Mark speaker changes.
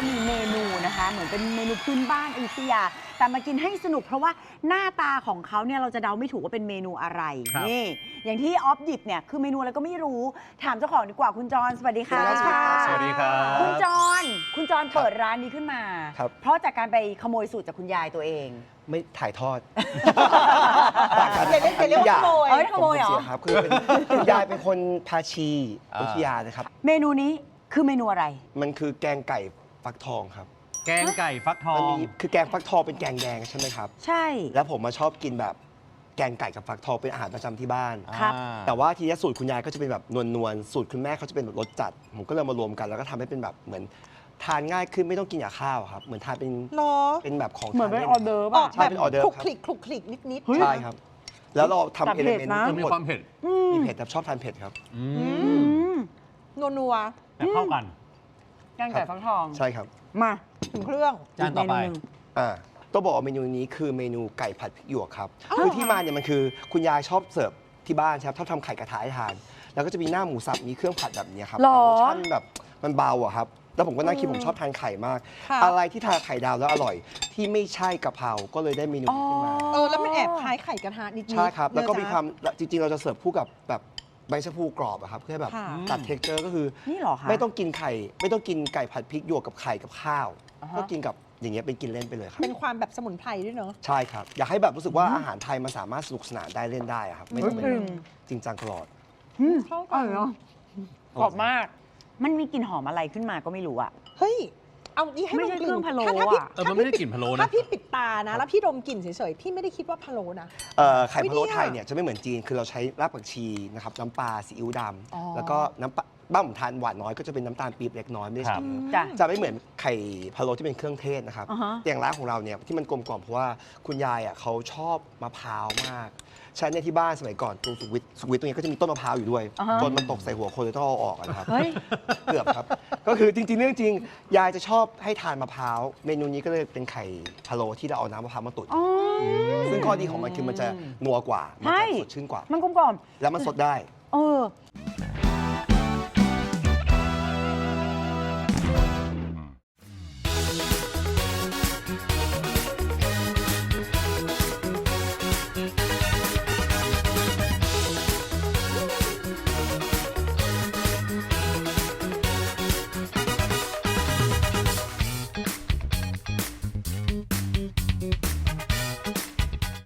Speaker 1: เรามีเมนูนะคะเหมือนเป็นเมนูพื้นบ้านอยุธยาแต่มากินให้สนุกเพราะว่าหน้าตาของเขาเนี่ยเราจะเดาไม่ถูกว่าเป็นเมนูอะไรนี่อย่างที่ออฟหยิบเนี่ยคือเมนูอะไรก็ไม่รู้ถามเจ้าของดีกว่าคุณจรสวัสดีค่ะ
Speaker 2: สวัสดีครับ
Speaker 1: คุณจรเปิดร้านนี้ขึ้นมา เพราะจากการไปขโมยสูตรจากคุณยายตัวเอง
Speaker 3: ไม่ถ่ายทอด
Speaker 1: อย่าเรียกว่าขโมยขโมยเหรอ
Speaker 3: ครับคือคุณยายเป็นคนพาชีอยุธยานะครับ
Speaker 1: เมนูนี้คือเมนูอะไร
Speaker 3: มันคือแกงไก่ฟักทองครับ
Speaker 2: แกงไก่ฟักทอ
Speaker 3: มัน
Speaker 2: ง
Speaker 3: มีคือแกงฟักทองเป็นแกงแดงใช่ไหมครับ
Speaker 1: ใช่
Speaker 3: แล้วผมมาชอบกินแบบแกงไก่กับฟักทองเป็นอาหารประจำที่บ้าน
Speaker 1: ครับ
Speaker 3: แต่ว่าทีนี้สูตรคุณยายก็จะเป็นแบบนวลๆสูตรคุณแม่เขาจะเป็นแบบรสจัด ผมก็เลยมารวมกันแล้วก็ทำให้เป็นแบบเหมือนทานง่ายขึ้นไม่ต้องกินกับข้าวครับเหมือนทานเป็น
Speaker 4: หรอ
Speaker 3: เป็นแบบของ
Speaker 1: เหมือน
Speaker 3: ทาน
Speaker 1: เป็น
Speaker 3: ล่
Speaker 1: ออเดอร์
Speaker 4: อ
Speaker 1: ป่ะ
Speaker 4: อก
Speaker 3: ใช่
Speaker 4: แบบ
Speaker 3: เป็นออเดอร์
Speaker 4: คลุก
Speaker 3: ครับ
Speaker 4: คลิกคลุกคลิกนิด
Speaker 3: ใช่ครับ แล้วเราทำ
Speaker 1: แต่
Speaker 3: เอ
Speaker 1: เผ็
Speaker 3: ลิ
Speaker 1: ด
Speaker 3: เมนต์
Speaker 1: นะ
Speaker 3: ทั้ง
Speaker 2: มี
Speaker 3: หมด
Speaker 2: ความเผ็ด
Speaker 3: มีเผ็ดครับชอบทานเผ็ดครับ
Speaker 4: ๆนัว
Speaker 2: แต่เข้ากัน
Speaker 1: แกงไก่ฟักทอง
Speaker 3: ใช่ครับ
Speaker 1: มา
Speaker 4: ๆถึงเครื่อง
Speaker 2: จานต่อไป
Speaker 1: เมหนึ่ง
Speaker 3: ต้องบอกว่าเมนูนี้คือเมนูไก่ผัดพริกหยวกครับคือที่มาเนี่ยมันคือคุณยายชอบเสิร์ฟที่บ้านครับชอบทำไข่กระทะให้ทาน แล้วก็จะมีหน้าหมูสับมีเครื่องผัดแบบนี้ครับ
Speaker 1: หรอ
Speaker 3: รสชาติแบบมันเบาอะครับแล้วผมก็นั่งคิดผมชอบทานไข่มาก
Speaker 4: ค่ะ
Speaker 3: อะไรที่ทานไข่ดาวแล้วอร่อย ที่ไม่ใช่กะเพราก็เลยได้เมนูนี้ขึ้นมา
Speaker 4: แล้วมันแอบคล้ายไข่กระทะนิดๆ
Speaker 3: ใช่ครับแล้วก็มี
Speaker 4: เนื้อ
Speaker 3: ความจริงๆ เราจะเสิร์ฟคู่กับแบบใบชะพูกรอบอะครับเพื่อให้แบบ
Speaker 4: ค่ะ
Speaker 3: ตัดเท็กเจอร์ก็คือ
Speaker 1: นี่เหรอคะ
Speaker 3: ไม่ต้องกินไข่ไม่ต้องกินไก่ผัดพริกหยวกกับไข่กับข้าว
Speaker 1: อ่าฮะ
Speaker 3: ก็กินกับอย่างเงี้ยเป็นกินเล่นไปเลยครับ
Speaker 4: เป็นความแบบสมุนไพรด้วยเนอะ
Speaker 3: ใช่ครับ อยากให้แบบรู้สึกว่าอาหารไทยมันสามารถสนุกสนานได้เล่นได้อะครับ ไม่ต้องเป็นแบบจริงจังตลอด
Speaker 4: เข้า
Speaker 1: อ
Speaker 4: กั
Speaker 1: ร่อยเนาะกรอบมาก มันมีกลิ่นหอมอะไรขึ้นมาก็ไม่รู้อะ
Speaker 4: เฮ้ย เอานี่ให้
Speaker 1: ไม่
Speaker 4: ด
Speaker 1: ใช่
Speaker 4: มก
Speaker 1: เครื่
Speaker 4: ลิ่
Speaker 1: อง
Speaker 4: น
Speaker 1: พะโล้
Speaker 4: ถ้าพี่
Speaker 1: อะ
Speaker 2: มันไม่ได้กลิ่นพะโล้
Speaker 4: ถ้า
Speaker 2: นะ
Speaker 4: พี่ปิดตานะ แล้วพี่ดมกลิ่นเฉยๆ พี่ไม่ได้คิดว่าพะโล้นะ
Speaker 3: ไข่พะโล้
Speaker 4: อุ๊ยเนี่ย
Speaker 3: ไทยเนี่ยจะไม่เหมือนจีน คือเราใช้รากผักชีนะครับน้ำปลาซีอิ๊วด
Speaker 4: อ๋อ
Speaker 3: ำแล้วก็น้ำปลาบ้านผมทานหวานน้อยก็จะเป็นน้ำตาลปี๊บเล็กน้อยไม่ได้
Speaker 2: ครั
Speaker 3: ใส่
Speaker 2: บ
Speaker 3: เยอะ
Speaker 1: จ้ะ
Speaker 3: จะไม่เหมือนไข่พะโล้ที่เป็นเครื่องเทศนะครับ
Speaker 1: อ่าฮะ
Speaker 3: อย่างร้านของเราเนี่ยที่มันกลมกล่อมเพราะว่าคุณยายอ่ะเขาชอบมะพร้าวมากใช่เนี่ยที่บ้านสมัยก่อนตรงสุขวิทตรงนี้ก็จะมีต้นมะพร้าวอยู่ด้วย
Speaker 1: อ่าฮะ
Speaker 3: จนมันตกใส่หัวคนเลยต้องเอาออกอะนะครับ
Speaker 1: เฮ้ย
Speaker 3: เกือบครับ ก็คือจริงๆเรื่องจริง ยายจะชอบให้ทานมะพร้าว เมนูนี้ก็เลยเป็นไข่พะโล้ที่เราเอาน้ำมะพร้าวมาตุ๋น
Speaker 1: อ๋อ
Speaker 3: ซึ่งข้อดีของมันคือมันจะนัวกว่า มัน
Speaker 1: ใช่
Speaker 3: จะสดชื่นกว่า
Speaker 1: มันกลมกล่อม
Speaker 3: แล้วมันสดได้
Speaker 1: เออ